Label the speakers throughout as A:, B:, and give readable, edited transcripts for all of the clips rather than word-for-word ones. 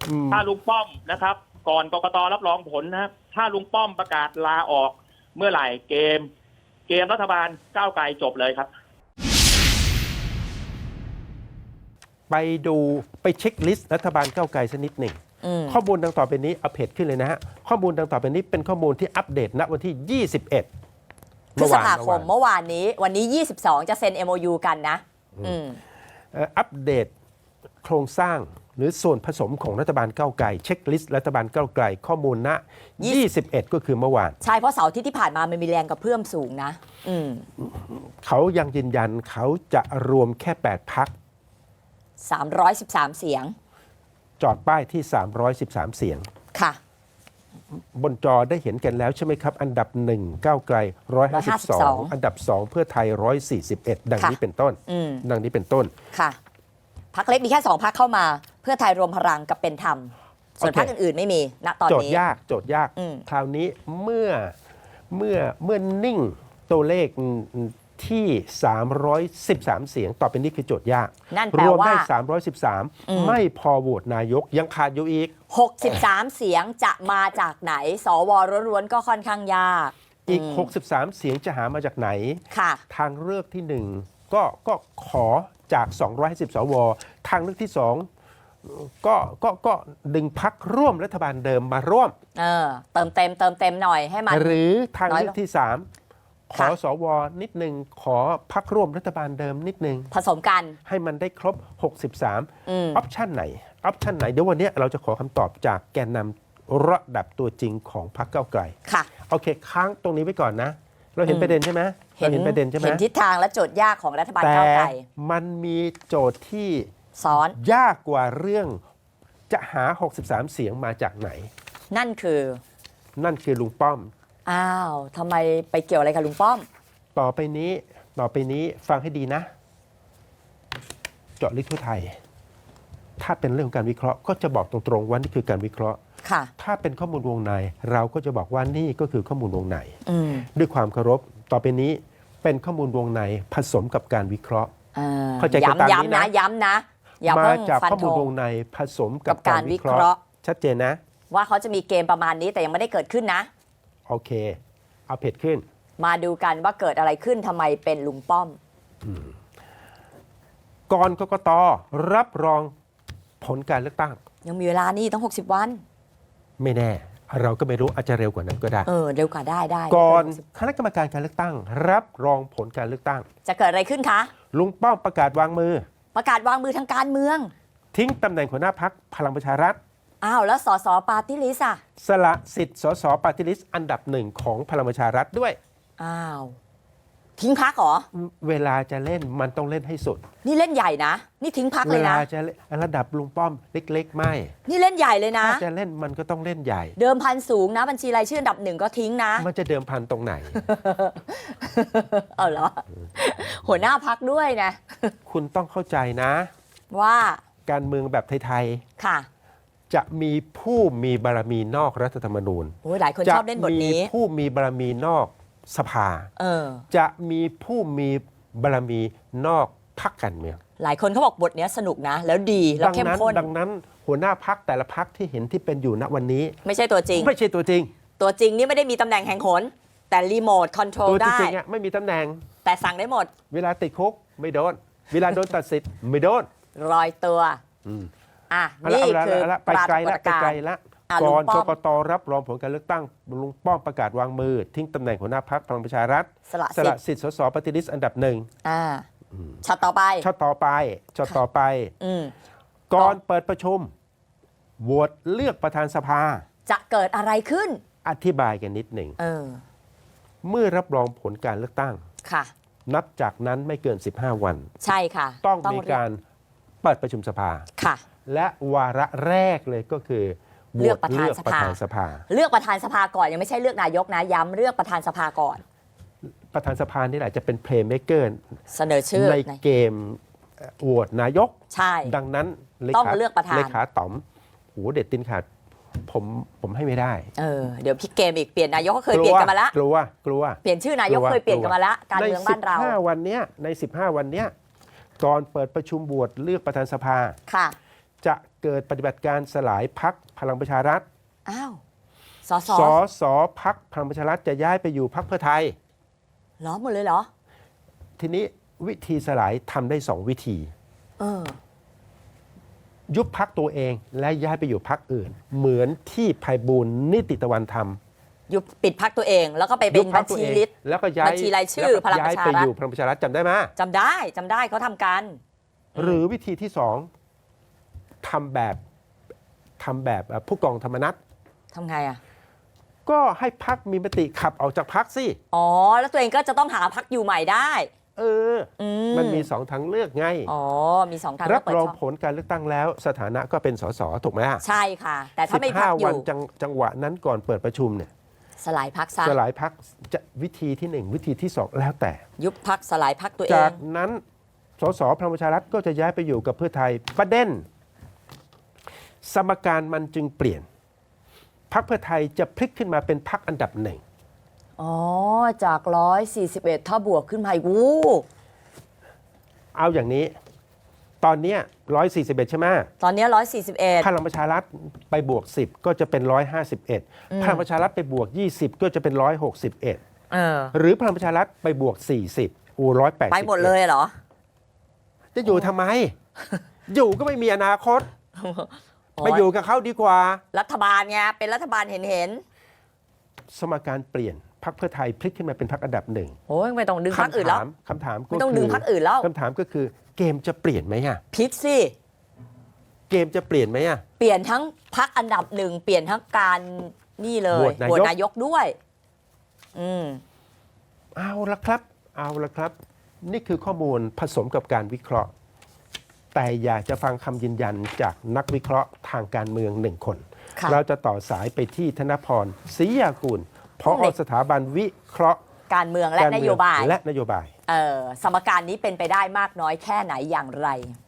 A: ถ้าลุงป้อมนะครับก่อนกกตรับรองผลนะครับถ้าลุงป้อมประกาศลาออกเมื่อไหร่เกมรัฐบาลก้าวไกลจบเลยครับ
B: ไปเช็คลิสต์รัฐบาลก้าวไกลสักนิดหนึ่งข้อมูลดังต่อไปนี้เอาเพจขึ้นเลยนะฮะข้อมูลดังต่อไปนี้เป็นข้อมูลที่อัปเดตณวันที่ 21
C: พฤษภาคมเมื่อวานนี้วันนี้22จะเซ็น MOU กันนะ
B: อัปเดตโครงสร้างหรือส่วนผสมของรัฐบาลก้าวไกลเช็คลิสต์รัฐบาลก้าวไกลข้อมูลณ21 ก็คือเมื่อวาน
C: ใช่เพราะเสาร์อาทิตย์ที่ผ่านมามันมีแรงกระเพื่อมสูงนะ
B: เขายังยืนยันเขาจะรวมแค่8 พรรค
C: 313 เสียง
B: จอดป้ายที่313เสียง
C: ค่ะ
B: บนจอได้เห็นกันแล้วใช่ไหมครับอันดับ1ก้าวไกล152อันดับ2เพื่อไทย141ดังนี้เป็นต้นดังนี้เป็นต้น
C: ค่ะพรรคเล็กมีแค่2 พรรคเข้ามาเพื่อไทยรวมพลังกับเป็นธรรมส่วนพรรคอื่นๆไม่มีณตอนนี้
B: โจทย์ยากคราวนี้เมื่อนิ่งตัวเลขที่313เสียงต่อไปนี้คือโจทย์ยากรวมได้313ไม่พอโหวตนายกยังขาดอยู่อีก
C: 63เสียงจะมาจากไหนสวล้วนๆก็ค่อนข้างยาก
B: อีก63เสียงจะหามาจากไหนทางเลือกที่1ก็ขอจาก250สวทางเลือกที่2ก็ดึงพรรคร่วมรัฐบาลเดิมมาร่วม
C: เติมเต็มหน่อยให้มัน
B: หรือทางเลือกที่3ขอสวนิดหนึ่งขอพรรคร่วมรัฐบาลเดิมนิดหนึ่ง
C: ผสมกัน
B: ให้มันได้ครบ63ออปชันไหนเดี๋ยววันนี้เราจะขอคำตอบจากแกนนำระดับตัวจริงของพรรคก้าวไกล
C: ค่ะ
B: โอเคค้างตรงนี้ไว้ก่อนนะเราเห็นประเด็นใช่ไหมเราเห็นประเด็นใช่ไหม
C: เห็นทิศทางและโจทย์ยากของรัฐบาลก้าวไกล
B: มันมีโจทย์ที่
C: ซ้อน
B: ยากกว่าเรื่องจะหา63เสียงมาจากไหน
C: นั่นคือ
B: ลุงป้อม
C: อ้าวทำไมไปเกี่ยวอะไรกับลุงป้อม
B: ต่อไปนี้ฟังให้ดีนะเจาะลึกทั่วไทยถ้าเป็นเรื่องของการวิเคราะห์ก็จะบอกตรงๆว่านี่คือการวิเคราะห์ถ้าเป็นข้อมูลวงในเราก็จะบอกว่านี่ก็คือข้อมูลวงในด้วยความเคารพต่อไปนี้เป็นข้อมูลวงในผสมกับการวิเคราะห์
C: เข้าใจกันตามนี้นะย้ำนะ
B: มาจากข้อมูลวงในผสมกับการวิเคราะห์ชัดเจนนะ
C: ว่าเขาจะมีเกมประมาณนี้แต่ยังไม่ได้เกิดขึ้นนะ
B: โอเคเอาเพจขึ้น
C: มาดูกันว่าเกิดอะไรขึ้นทำไมเป็นลุงป้อม
B: ก่อนกกต.รับรองผลการเลือกตั้ง
C: ยังมีเวลานี่ต้อง60 วัน
B: ไม่แน่เราก็ไม่รู้อาจจะเร็วกว่านั้นก็ได้
C: เร็วกว่าได้
B: ก่อนคณะกรรมการการเลือกตั้งรับรองผลการเลือกตั้ง
C: จะเกิดอะไรขึ้นคะ
B: ลุงป้อมประกาศวางมือ
C: ทางการเมือง
B: ทิ้งตำแหน่งหัวหน้าพรรคพลังประชารัฐ
C: แล้วสสปาร์ตี้ลิสต์
B: สละสิทธิ์สสปาร์ตี้ลิสต์อันดับ1ของพลังประชารัฐด้วย
C: ทิ้งพรรคเหรอ
B: เวลาจะเล่นมันต้องเล่นให้สุด
C: นี่เล่นใหญ่นะนี่ทิ้งพรรคเลยนะ
B: เวลาจะระดับลุงป้อมเล็กๆไม่
C: นี่เล่นใหญ่เลยนะ
B: ถ้าจะเล่นมันก็ต้องเล่นใหญ่
C: เดิมพันสูงนะบัญชีรายชื่ออันดับ1ก็ทิ้งนะ
B: มันจะเดิมพันตรงไหน
C: เหรอหัวหน้าพรรคด้วยนะ
B: คุณต้องเข้าใจนะ
C: ว่า
B: การเมืองแบบไทย
C: ๆค่ะ
B: จะมีผู้มีบารมีนอกรัฐธรรมนูญ
C: หลายคนชอบเล่นบทนี้
B: จะมีผู้มีบารมีนอกสภาจะมีผู้มีบารมีนอกพรรคการเมือง
C: หลายคนเขาบอกบทนี้สนุกนะแล้วดีแล้วเข้มข้น
B: ดังนั้นหัวหน้าพรรคแต่ละพรรคที่เห็นที่เป็นอยู่ณวันนี้
C: ไม่ใช่ตัวจริงตัวจริงนี่ไม่ได้มีตำแหน่งแห่งหนแต่รีโมทคอนโทรลได้
B: ตัวจริงไม่มีตำแหน่ง
C: แต่สั่งได้หมด
B: เวลาติดคุกไม่โดนเวลาโดนตัดสิทธิ์ไม่โดน
C: ลอยตัวนี่คือ
B: ไปไกลแล้วก่อนกกต.รับรองผลการเลือกตั้งลุงป้อมประกาศวางมือทิ้งตำแหน่งหัวหน้าพรรคพลังประชารัฐสละสิทธิ์สสปฏิริษีอันดับ1
C: ช็อตต่อ
B: ไปก่อนเปิดประชุมโหวตเลือกประธานสภา
C: จะเกิดอะไรขึ้น
B: อธิบายกันนิดหนึ่งเมื่อรับรองผลการเลือกตั้งนับจากนั้นไม่เกิน15 วัน
C: ใช่ค่ะ
B: ต้องมีการเปิดประชุมสภาและวาระแรกเลยก็คือ
C: เลือกประธานสภาเลือกประธานสภาก่อนยังไม่ใช่เลือกนายกนะย้ำเลือกประธานสภาก่อน
B: ประธานสภานี่แหละจะเป็นเพลย์เมคเกอร์
C: เสนอชื่อ
B: ในเกมโหวตนายก
C: ใช่
B: ดังนั้น
C: ต้องเลือกประธาน
B: เลขาต๋อมหูเด็ดตินขาดผมให้ไม่ได้
C: เดี๋ยวพี่เกมอีกเปลี่ยนนายกก็เคยเปลี่ยนกันมาแล้ว
B: กลัว
C: เปลี่ยนชื่อนายกเคยเปลี่ยนกันมาแล้วการเมืองบ้านเรา
B: ใน15 วันเนี้ยก่อนเปิดประชุมโหวตเลือกประธานสภา
C: ค่ะ
B: จะเกิดปฏิบัติการสลายพรรคพลังประชารัฐ
C: อ้าวสส
B: สพรรคพลังประชารัฐจะย้ายไปอยู่พรรคเพื่อไทย
C: เหรอหมดเลยเหรอ
B: ทีนี้วิธีสลายทำได้2 วิธี
C: เออ
B: ยุบพรรคตัวเองและย้ายไปอยู่พรรคอื่น เหมือนที่ไพบูลย์นิติตะวันทำ
C: ยุบปิดพักตัวเองแล้วก็ไปเป็นบัญชีลิสต์
B: แล้วก็ย้าย
C: บัญชีรายชื่อ
B: แล้วก็
C: พลังประชารัฐ
B: ย้ายไปอยู่พลังประชารัฐจำได้ไหม
C: จำได้เขาทำกัน
B: หรือวิธีที่2ทำแบบผู้กองธรรมนัฐ
C: ทำไงอ่ะ
B: ก็ให้พรรคมีมติขับออกจากพรรคสิ
C: อ๋อ แล้วตัวเองก็จะต้องหาพักอยู่ใหม่ได้
B: มันมี2 ทางเลือกไง
C: อ๋อ มี2ทาง
B: รับ
C: เปิด
B: รอง
C: ช่อง
B: ผลการเลือกตั้งแล้ว สถานะก็เป็นสสถูกไหม
C: ใช่ค่ะ แต่ถ้าไม่พักอ
B: วั
C: ยู่
B: จังหวะนั้นก่อนเปิดประชุมเนี่ย
C: สลายพักซะ
B: สลายพรรคจะวิธีที่ 1 วิธีที่ 2 แล้วแต่
C: ยุบพักสลายพักตัวเอ
B: จาก
C: ง
B: นั้นสสพลังประชารัฐก็จะย้ายไปอยู่กับเพื่อไทยประเด็นสมการมันจึงเปลี่ยนพรรคเพื่อไทยจะพลิกขึ้นมาเป็นพรรคอันดับ 1
C: อ๋อ จาก141ถ้าบวกขึ้นมาอีกวู้
B: เอาอย่างนี้ ตอนเนี้ย141 ใช่ไหม
C: ตอนนี้141
B: พลังประชารัฐไปบวก 10 ก็จะเป็น151พลังประชารัฐไปบวก20 ก็จะเป็น161
C: เออ
B: หรือพลังประชารัฐไปบวก40180
C: ไปหมดเลยเหรอ
B: จะอยู่ทำไม อยู่ก็ไม่มีอนาคตไปอยู่กับเขาดีกว่า
C: รัฐบาลไงเป็นรัฐบาลเห็น
B: สมการเปลี่ยนพรรคเพื่อไทยพลิกขึ้นมาเป็นพรรคอันดับ 1
C: โอ้ยไม่ต้องดึงพรรคอื่นแล้ว
B: คำถามก็
C: ไม่ต้องดึงพรรคอื่นแล้ว
B: คำถามก็คือเกมจะเปลี่ยนไหมอะ
C: พลิกสิ
B: เกมจะเปลี่ยนไหมอะ
C: เปลี่ยนทั้งพรรคอันดับ 1 เปลี่ยนทั้งการนี่เลย
B: โหวตนายก
C: โหวตนายกด้วย
B: เอาละครับ นี่คือข้อมูลผสมกับการวิเคราะห์ แต่อยากจะฟังคำยืนยันจากนักวิเคราะห์ทางการเมือง1 คน
C: ค่ะ
B: เราจะต่อสายไปที่ธนพรศรียากูลผอสถาบันวิเคราะห์
C: การเมืองและนโยบาย
B: และนโยบาย
C: สมการนี้เป็นไปได้มากน้อยแค่ไหนอย่างไร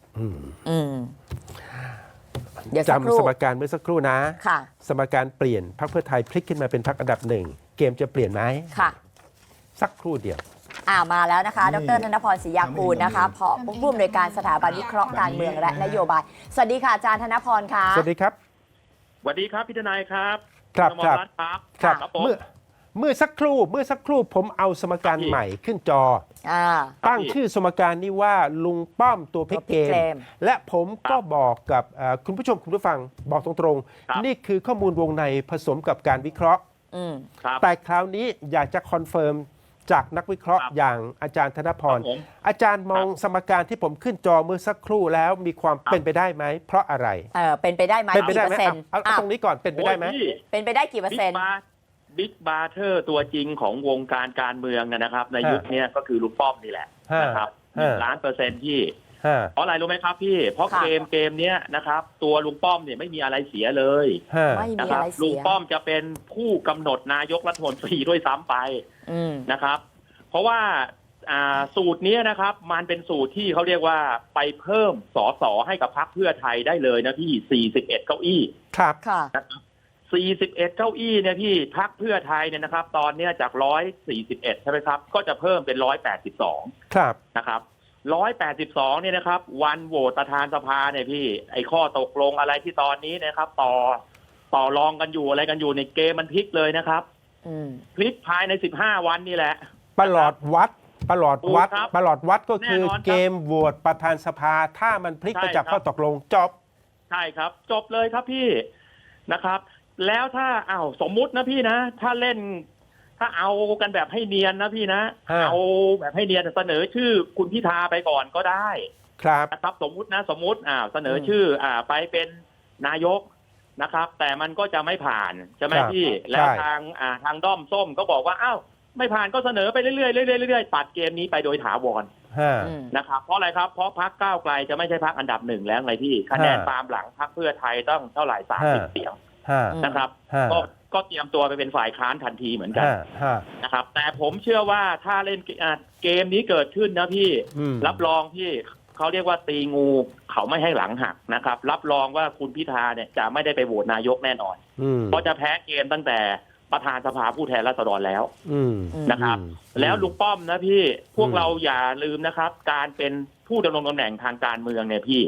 C: เดี๋ยวสักครู่
B: จำสมการเมื่อสักครู่นะ
C: ค่ะ
B: สมการเปลี่ยนพรรคเพื่อไทยพลิกขึ้นมาเป็นพรรคอันดับ 1 เกมจะเปลี่ยนไหม
C: ค่ะ
B: สักครู่เดียว
C: มาแล้วนะคะ ดร.ธนพรศรียากูลนะคะผอผู้อำนวยการสถาบันวิเคราะห์การเมืองและนโยบาย สวัสดีค่ะอาจารย์ธนพรค่ะ
B: สวัสดีครับ
A: สวัสดีครับพี่ทนายครับ
B: ครับ
A: ณอมรรัตน์ครับ
B: ครับ
A: ครับผม
B: เมื่อสักครู่ผมเอาสมการใหม่ขึ้นจอ ตั้งชื่อสมการนี้ว่าลุงป้อมตัวพลิกเกม และผมก็บอกกับคุณผู้ชมคุณผู้ฟังบอกตรงๆ นี่คือข้อมูลวงในผสมกับการวิเคราะห์
A: ครับ
B: แต่คราวนี้อยากจะคอนเฟิร์มจากนักวิเคราะห์อย่างอาจารย์ธนพร
A: ครับผม
B: อาจารย์มองสมการที่ผมขึ้นจอเมื่อสักครู่แล้วมีความเป็นไปได้ไหมเพราะอะไร
C: เป็นไปได้ไหม
B: เป็นไป
C: กี่
B: ได้
C: เป
B: ไห
C: อ
B: ม
C: ร์เซ็นต์
B: เอาตรงนี้ก่อนเป็นไปได้ไหม
C: เป็นไปได้กี่เปอร์เซ็นต์
A: บิ๊กบาร์เทอร์ตัวจริงของวงการการเมืองนะครับ ในยุคนี้ก็คือลุงป้อมนี่แหละนะครับ1,000,000%ที่เพราะอะไรรู้ไหมครับพี่เพราะเกมเนี้ยนะครับตัวลุงป้อมเนี่ยไม่มีอะไรเสียเลย
C: ไม่มี
A: นะค
C: อะ
A: รับ
C: ไรเสีย
A: ลุงป้อมจะเป็นผู้กำหนดนายกรัฐมนตรีด้วยซ้ำไปนะครับ เพราะว่าสูตรนี้นะครับมันเป็นสูตรที่เขาเรียกว่าไปเพิ่มสสให้กับพรรคเพื่อไทยได้เลยนะพี่41เก้าอี้
B: ครับ
C: ค่ะ
A: นะครับ41เก้าอี้เนี่ยพี่พรรคเพื่อไทยเนี่ยนะครับ ตอนเนี้ยจาก141ใช่ไหมครับก็จะเพิ่มเป็น182
B: ครับ
A: นะครับ182เนี่ยนะครับวันโหวตประธานสภาเนี่ยพี่ไอ้ข้อตกลงอะไรที่ตอนนี้นะครับต่อรองกันอยู่อะไรกันอยู่ในเกมมันพลิกเลยนะครับพลิกภายใน15วันนี่แหละ
B: ประหลอดวัดก็คือ
A: แน่นอนครับ
B: เกมโหวตประธานสภาถ้ามันพลิกไปจากข้อตกลงจบ
A: ใช่ครับจบเลยครับพี่นะครับ แล้วถ้าสมมุตินะพี่นะถ้าเอากันแบบให้เนียนนะพี่นะเอาแบบให้เนียนเสนอชื่อคุณพิธาไปก่อนก็ได้
B: ครับ
A: นะครับสมมุติเสนอชื่อไปเป็นนายกนะครับ แต่มันก็จะไม่ผ่านใช่ไหมพี่แล้วทางด้อมส้มก็บอกว่าไม่ผ่านก็เสนอไปเรื่อยๆตัดเกมนี้ไปโดยถาวรนะครับเพราะอะไรครับเพราะพรรคก้าวไกลจะไม่ใช่พรรคอันดับ 1แล้วไงพี่คะแนนตามหลังพรรคเพื่อไทยต้องเท่าไหร่30 เสียงนะครับก็เตรียมตัวไปเป็นฝ่ายค้านทันทีเหมือนกันนะครับแต่ผมเชื่อว่าถ้าเล่นเกมนี้เกิดขึ้นนะพี่รับรองพี่เขาเรียกว่าตีงูเขาไม่ให้หลังหักนะครับรับรองว่าคุณพิธาเนี่ยจะไม่ได้ไปโหวตนายกแน่นอนเพราะจะแพ้เกมตั้งแต่ประธานสภาผู้แทนราษฎรแล้วนะครับแล้วลุงป้อมนะพี่พวกเราอย่าลืมนะครับการเป็นผู้ดำรงตำแหน่งทางการเมืองเนี่ยพี่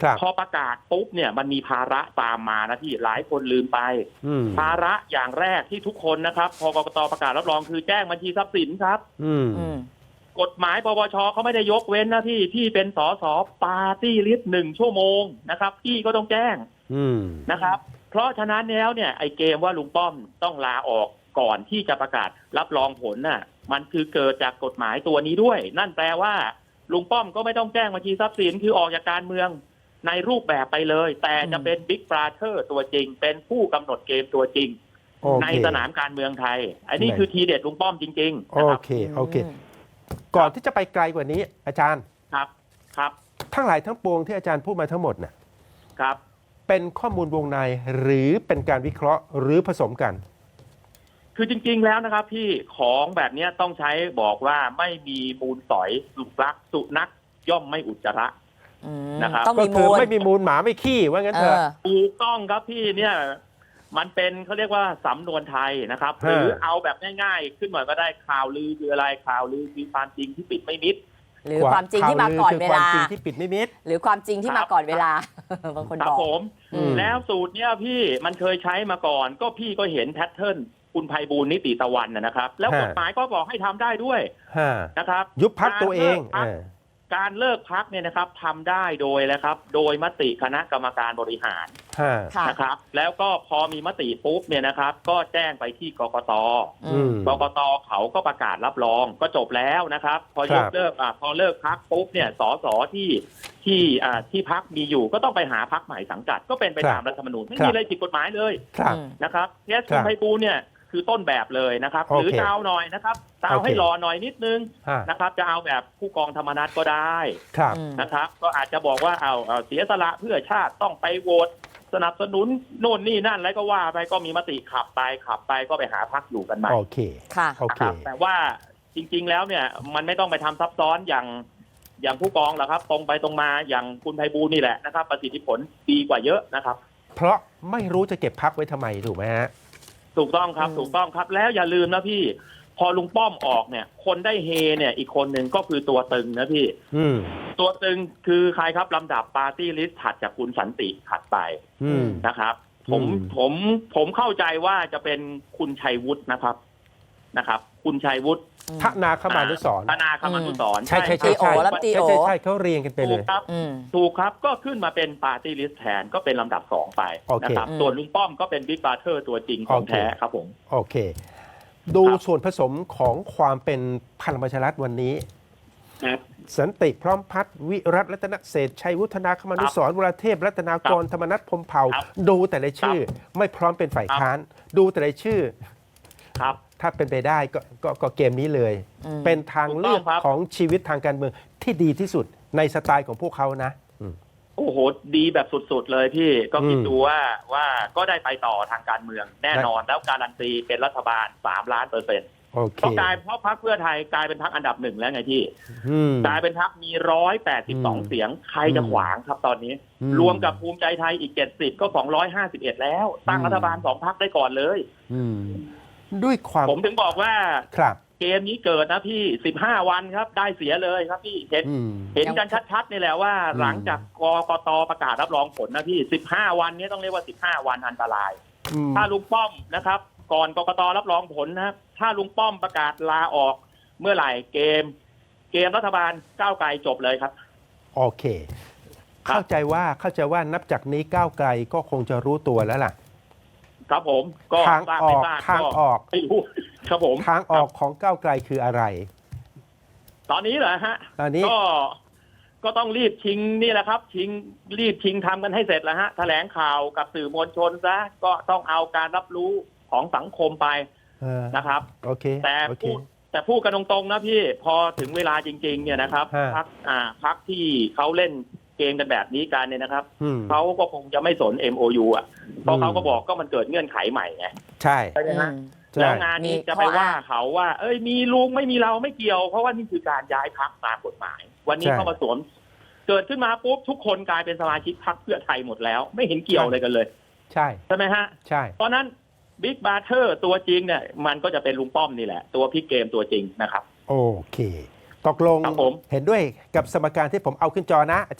B: ครับ
A: พอประกาศปุ๊บเนี่ยมันมีภาระตามมานะที่หลายคนลืมไป ภาระอย่างแรกที่ทุกคนนะครับพอกกตประกาศรับรองคือแจ้งบัญชีทรัพย์สินครับกฎหมายปปชเขาไม่ได้ยกเว้นนะที่เป็นสสปาร์ตี้ลิสต์1 ชั่วโมงนะครับพี่ก็ต้องแจ้งนะครับเพราะฉะนั้นแล้วเนี่ยไอ้เกมว่าลุงป้อมต้องลาออกก่อนที่จะประกาศรับรองผลน่ะมันคือเกิดจากกฎหมายตัวนี้ด้วยนั่นแปลว่าลุงป้อมก็ไม่ต้องแจ้งบัญชีทรัพย์สินคือออกจากการเมืองในรูปแบบไปเลยแต่จะเป็นบิ๊กบราเธอร์ตัวจริงเป็นผู้กำหนดเกมตัวจริงในสนามการเมืองไทยอันนี้คือทีเด็ดลุงป้อมจริงๆ
B: โอเคก่อนที่จะไปไกลกว่านี้อาจารย์
A: ครับ
B: ทั้งหลายทั้งปวงที่อาจารย์พูดมาทั้งหมดน่ะ
A: ครับ
B: เป็นข้อมูลวงในหรือเป็นการวิเคราะห์หรือผสมกัน
A: คือจริงๆแล้วนะครับพี่ของแบบนี้ต้องใช้บอกว่าไม่มีมูลสอยสุนัขย่อมไม่อุจจาระนะครับ
B: ก็คือไม่มีมูลหมาไม่ขี้ว่างั้นเถอะ
A: ถูกต้องครับพี่เนี่ยมันเป็นเขาเรียกว่าสำนวนไทยนะครับหรือเอาแบบง่ายๆขึ้นหน่อยก็ได้ข่าวลือคืออะไรข่าวลือคือความจริงที่ปิดไม่มิด
C: หรือความจริงที่มาก่อนเวลา
B: ความจริงที่ปิดไม่มิด
C: หรือความจริงที่มาก่อนเวลาบางคนบอก
A: ผมแล้วสูตรเนี่ยพี่มันเคยใช้มาก่อนก็พี่ก็เห็นแพทเทิร์นคุณไพบูลย์นิติตะวันนะครับแล้วกฎหมายก็บอกให้ทำได้ด้วยนะครับ
B: ยุบพรรคตัวเอง
A: การเลิกพักเนี่ยนะครับทำได้โดยนะครับโดยมติคณะกรรมการบริหารนะครับแล้วก็พอมีมติปุ๊บเนี่ยนะครับก็แจ้งไปที่กกต.กกต.เขาก็ประกาศรับรองก็จบแล้วนะครับพอยกเลิกพอเลิกพักปุ๊บเนี่ยสสที่พักมีอยู่ก็ต้องไปหาพักใหม่สังกัดก็เป็นไปตามรัฐธรรมนูญไม่มีอะไรผิดกฎหมายเลยนะครับเคสคุณไพบูลย์เนี่ยคือต้นแบบเลยนะครับหรือจะเอาหน่อยนะครับจะเอาให้รอหน่อยนิดนึงนะครับจะเอาแบบผู้กองธรรมนัสก็ได้นะครับก็อาจจะบอกว่าเอาเสียสละเพื่อชาติต้องไปโหวตสนับสนุนโน่นนี่นั่นแล้วก็ว่าไปก็มีมติขับไปก็ไปหาพรรคอยู่กันใหม่
B: โอเค
A: แต่ว่าจริงๆแล้วเนี่ยมันไม่ต้องไปทำซับซ้อนอย่างผู้กองหรอกครับตรงไปตรงมาอย่างคุณไพบูลย์นี่แหละนะครับประสิทธิผลดีกว่าเยอะนะครับ
B: เพราะไม่รู้จะเก็บพรรคไว้ทำไมถูกไหมฮะ
A: ถูกต้องครับแล้วอย่าลืมนะพี่พอลุงป้อมออกเนี่ยคนได้เฮเนี่ยอีกคนหนึ่งก็คือตัวตึงนะพี่ตัวตึงคือใครครับลำดับปาร์ตี้ลิสต์ถัดจากคุณสันติถัดไปนะครับผมเข้าใจว่าจะเป็นคุณชัยวุฒินะครับคุณชัยวุฒิ
B: ธนาคมานุสรณ์
A: ใช่
B: เขาเรียงกันไปเลย
A: ถูกครับก็ขึ้นมาเป็นปาร์ตี้ลิสต์แทนก็เป็นลำดับ2ไปนะครับส่วนลุงป้อมก็เป็นบิ๊กบราเธอร์ตัวจริงของแท้ครับผม
B: โอเคดูส่วนผสมของความเป็นพลังประชารัฐวันนี้สันติพร้อมพัฒน์วิรัตรัตนเศรษฐ์ชัยวุฒนาคมานุสรณ์วราเทพรัตนากรธรรมนัสพรหมเผ่าดูแต่ละชื่อไม่พร้อมเป็นฝ่ายค้านดูแต่ละชื่อถ้าเป็นไปได้ก็เกมนี้เลยเป็นทางเลือกของชีวิตทางการเมืองที่ดีที่สุดในสไตล์ของพวกเขานะ
A: โอ้โหดีแบบสุดๆเลยพี่ก็คิดดูว่าก็ได้ไปต่อทางการเมืองแน่นอนแล้วการันตีเป็นรัฐบาล3,000,000%ก็กลายเพราะพรรคเพื่อไทยกลายเป็นพรรคอันดับ1แล้วไงพี่กลายเป็นพรรคมี182เสียงใครจะขวางครับตอนนี้รวมกับภูมิใจไทยอีก70ก็251แล้วตั้งรัฐบาล2พรรคได้ก่อนเลย
B: ด้วยความ
A: ผมถึงบอกว่าเกมนี้เกิดนะพี่15วันครับได้เสียเลยครับพี่เห็นกันชัดๆนี่แหละว่าหลังจากกกตประกาศรับรองผลนะพี่15วันนี้ต้องเรียกว่า15วันอันตรายถ้าลุงป้อมนะครับก่อนกกตรับรองผลนะถ้าลุงป้อมประกาศลาออกเมื่อไหร่เกมรัฐบาลก้าวไกลจบเลยครับ
B: โอเคเข้าใจว่านับจากนี้ก้าวไกลก็คงจะรู้ตัวแล้วล่ะ
A: ครับผมก็
B: ทางออก
A: ไม่รู้ครับผม
B: ทางออกของก้าวไกลคืออะไร
A: ตอนนี้เหรอฮะ
B: ตอนนี้
A: ก็ต้องรีบชิงนี่แหละครับรีบชิงทำกันให้เสร็จแล้วฮะแถลงข่าวกับสื่อมวลชนซะก็ต้องเอาการรับรู้ของสังคมไปนะครับ
B: โอเค
A: แต่พูดกันตรงๆนะพี่พอถึงเวลาจริงๆเนี่ยนะครับพรรคที่เขาเล่นเกมกันแบบนี้กันเนี่ยนะครับเขาก็คงจะไม่สน MOU อ่ะเพราะเขาก็บอกก็มันเกิดเงื่อนไขใหม่ไง
B: ใช่
A: ไหมฮะแล้วงานนี้จะไปว่าเขาว่ามีลุงไม่มีเราไม่เกี่ยวเพราะว่านี่คือการย้ายพรรคตามกฎหมายวันนี้เข้ามาสวมเกิดขึ้นมาปุ๊บทุกคนกลายเป็นสมาชิกพรรคเพื่อไทยหมดแล้วไม่เห็นเกี่ยวอะไรกันเลยใช่ไหมฮะ
B: ใช่
A: เพราะนั้นบิ๊กบราเธอร์ตัวจริงเนี่ยมันก็จะเป็นลุงป้อมนี่แหละตัวพลิกเกมตัวจริงนะครับ
B: โอเคตกลงเห็นด้วยกับสมการที่ผมเอาขึ้นจอนะอาจารย์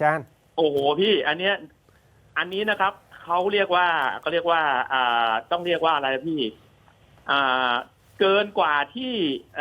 A: โอ้โหพี่อันนี้นะครับเขาเรียกว่าต้องเรียกว่าอะไรพี่เกินกว่าที่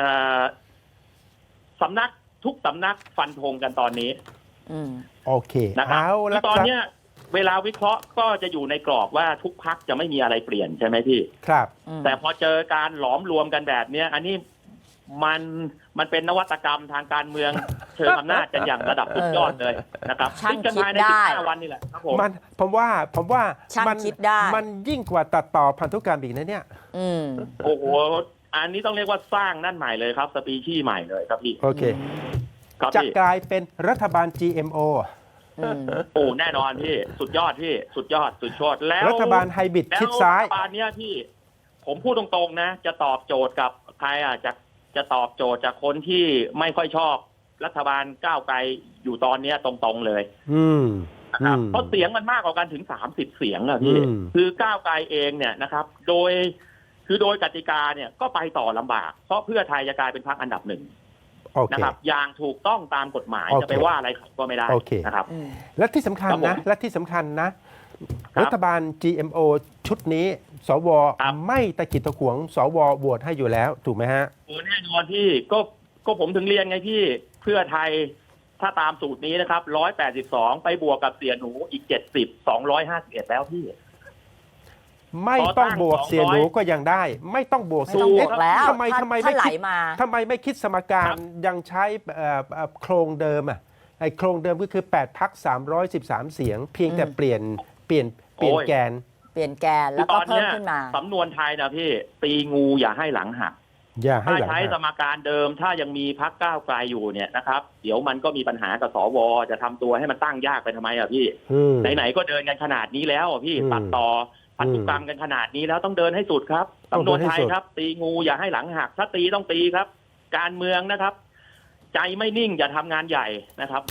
A: สำนักทุกสำนักฟันธงกันตอนนี้
B: โอเค
A: นะครับ
B: เอาละ
A: ตอน
B: ครับ
A: เนี้ยเวลาวิเคราะห์ก็จะอยู่ในกรอบว่าทุกพรรคจะไม่มีอะไรเปลี่ยนใช่ไหมพี่
B: ครับ
A: แต่พอเจอการหลอมรวมกันแบบเนี้ยอันนี้มันเป็นนวัตกรรมทางการเมืองเชิงอำนาจกันอย่างระดับสุดยอดเลยนะครับ
C: ช่าง
A: ซึ่งกันภายใน
C: คิดได้
A: 15 วันนี่แหละครับผม
B: ผมว่า
C: ช่าง
B: มัน
C: คิดได้
B: มันยิ่งกว่าตัดต่อพันธุกรรมอีกนะเนี่ย
A: โอ้โหอันนี้ต้องเรียกว่าสร้างนั่นใหม่เลยครับสปีชีส์ใหม่เลยครับพี่
B: โอเค
A: ครับ
B: จะ
A: พี่
B: กลายเป็นรัฐบาล GMO
A: โอ้แน่นอนพี่สุดยอดพี่สุดยอดแล้ว
B: รัฐบาลไฮบริด
A: แล้ว
B: ชิดซ้าย
A: รัฐบาลเนี้ยพี่ผมพูดตรงๆนะจะตอบโจทย์กับใครจะตอบโจทย์จากคนที่ไม่ค่อยชอบรัฐบาลก้าวไกลอยู่ตอนเนี้ยตรงๆเลยนะครับเพราะเสียงมันมากกว่ากันถึง30เสียงอะพี่คือก้าวไกลเองเนี่ยนะครับโดยกติกาเนี่ยก็ไปต่อลำบากเพราะเพื่อไทยจะกลายเป็นพรรคอันดับหนึ่งนะครับอย่างถูกต้องตามกฎหมายจะไปว่าอะไรก็ไม่ได้นะครับ
B: และที่สำคัญนะรัฐบาล GMO ชุดนี้สวไม่ตะกิดตะขวงสวโหวตให้อยู่แล้วถูกไหมฮะ
A: โอ้แน่นอนพี่ก็ผมถึงเรียนไงพี่เพื่อไทยถ้าตามสูตรนี้นะครับ182ไปบวกกับเสียหนูอีก70 251แล้วพี่
B: ไม่ต้องบวกเสียหนูก็ยังได้ ไม่ต้องบวก
C: ไม่ต้องบวกแล้ว
B: ทำไม
C: ถ้า
B: ไม่
C: ไหล
B: คิด
C: มา
B: ทำไมไม่คิดสมการยังใช้โครงเดิมอ่ะไอ้โครงเดิมก็คือ8พรรค313เสียง เพียงแต่เปลี่ยนแกน
C: เปลี่ยนแกนแล้วก็เพิ่มขึ้นมา
A: สำนวนไทยนะพี่ตีงูอย่าให้หลังหัก
B: อย่าให้
A: ถ้า
B: หลัง
A: ใช้สมการเดิมถ้ายังมีพรรคก้าวไกลอยู่เนี่ยนะครับเดี๋ยวมันก็มีปัญหากับสวจะทำตัวให้มันตั้งยากไปทำไมอ่ะพี่ไหนๆก็เดินกันขนาดนี้แล้วอ่ะพี่ตัดต่อพันธุกรรมกันขนาดนี้แล้วต้องเดินให้สุดครับสำนวนไทยครับตีงูอย่าให้หลังหักถ้าตีต้องตีครับ การเมืองนะครับ ใจไม่นิ่งอย่าทำงานใหญ่นะครับ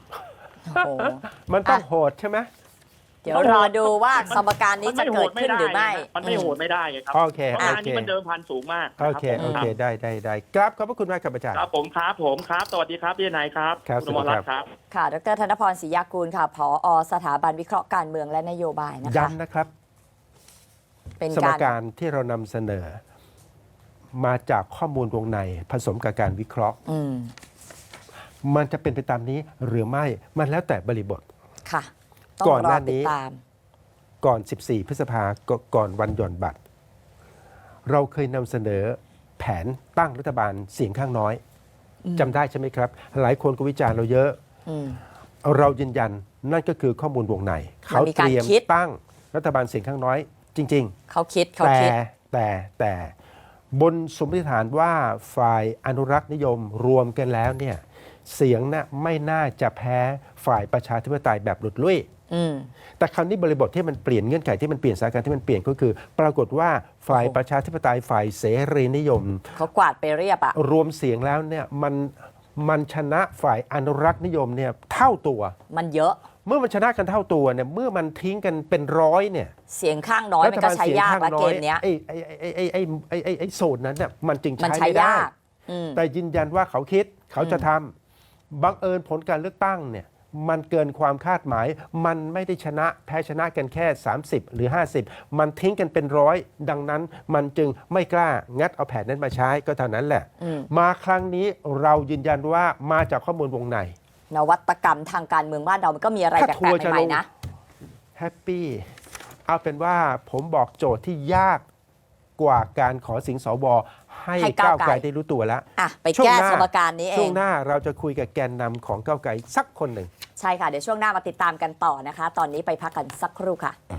B: มันต้องโหดใช่ไหม
C: เดี๋ยวรอดูว่าสมการนี้จะเกิดขึ้นหรือไม่
A: มันไม่โหดไม่ได้ครับ
B: โอเค
A: เพราะอันนี้มันเดิมพันสูงมาก
B: โอเคได้ครับขอบพระคุณมากครับอาจารย์
A: ครับผมครับสวัสดีครับพี่นายครับ
B: ครับ
A: คุณอมรรัตน์ครับ
C: ค่ะดร.ธนพรศรียากูลค่ะผอ.สถาบันวิเคราะห์การเมืองและนโยบายนะคะ
B: ย้ำนะครับ
C: เป็น
B: สมการที่เรานำเสนอ มาจากข้อมูลวงในผสมกับการวิเคราะห์มันจะเป็นไปตามนี้หรือไม่มันแล้วแต่บริบท
C: ค่ะ
B: ก่อนหน้านี้ก่อน 14 พฤษภาก่อนวันหย่อนบัตร เราเคยนำเสนอแผนตั้งรัฐบาลเสียงข้างน้อยจำได้ใช่ไหมครับ หลายคนก็วิจารณ์เราเยอะเรายืนยันนั่นก็คือข้อมูลวงในเขาเตรียมตั้งรัฐบาลเสียงข้างน้อยจริงๆ
C: เขาคิด
B: แต่บนสมมติฐานว่าฝ่ายอนุรักษ์นิยมรวมกันแล้วเนี่ยเสียงน่ะไม่น่าจะแพ้ฝ่ายประชาธิปไตยแบบหลุดลุ่ยแต่คราวนี้บริบทที่มันเปลี่ยนเงื่อนไขที่มันเปลี่ยนสถานการณ์ที่มันเปลี่ยนก็คือ ปรากฏว่าฝ่ายประชาธิปไตยฝ่ายเสรีนิยม
C: เขากวาดไปเรียบอะ
B: รวมเสียงแล้วเนี่ยมันชนะฝ่ายอนุรักษ์นิยมเนี่ยเท่าตัว
C: มันเยอะ
B: เมื่อมันชนะกันเท่าตัวเนี่ยเมื่อมันทิ้งกันเป็นร้อยเนี่ย
C: เสียงข้างน้อยมันก็ใช้ยากละเกมเนี้ย
B: ไอ้โซนนั้นเนี่ยมันจึงใช้
C: ไม่ได้
B: แต่ยืนยันว่าเขาคิดเขาจะทำบังเอิญผลการเลือกตั้งเนี่ยมันเกินความคาดหมายมันไม่ได้ชนะแพ้ชนะกันแค่30หรือ50มันทิ้งกันเป็นร้อยดังนั้นมันจึงไม่กล้างัดเอาแผนนั้นมาใช้ก็เท่านั้นแหละมาครั้งนี้เรายืนยันว่ามาจากข้อมูลวงใน
C: นวัตกรรมทางการเมืองบ้านเรามันก็มีอะไรแปลกๆใหม่ๆนะ
B: แฮปปี้เอาเป็นว่าผมบอกโจทย์ที่ยากกว่าการขอเสียงสวให้ก้าวไกลได้รู้ตัวแล้ว
C: ไปแก้สมการนี้เอง
B: ช่วงหน้าเราจะคุยกับแกนนำของก้าวไกลสักคนหนึ่ง
C: ใช่ค่ะเดี๋ยวช่วงหน้ามาติดตามกันต่อนะคะตอนนี้ไปพักกันสักครู่ค่ะ